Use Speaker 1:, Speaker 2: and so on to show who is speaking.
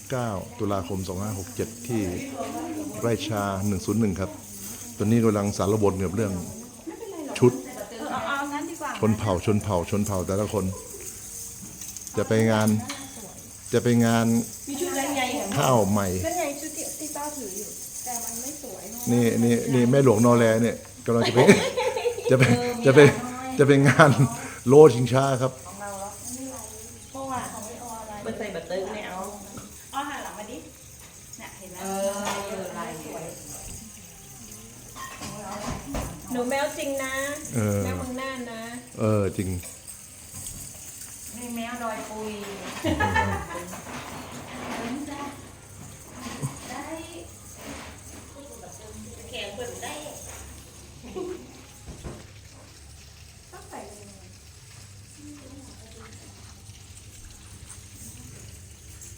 Speaker 1: 9 ตุลาคม 2567 ที่ไร่ชา 101 ครับ ตอนนี้กำลังสารบนกับเรื่องชุด
Speaker 2: เอางั้นดีกว่า
Speaker 1: ชนเผ่าแต่ละคน จะไปงาน
Speaker 2: มีชุดอะไรไง
Speaker 1: ข้าวใหม่
Speaker 2: นั่นไงชุดที่ต้าถืออยู่ แต่มันไม่สวย
Speaker 1: นี่แม่หลวงนอแลเนี่ยกำลังจะไป จะไปจะไปงานโลชิงช้าครับ
Speaker 2: เพราะว่ามันใส่แบบเติมเนี่ยเอาอ้อหันหลังมาดิเนี่ยเห็นไหมลายสวยหนูแมวจริงนะแมวเมืองน่านนะ
Speaker 1: จริง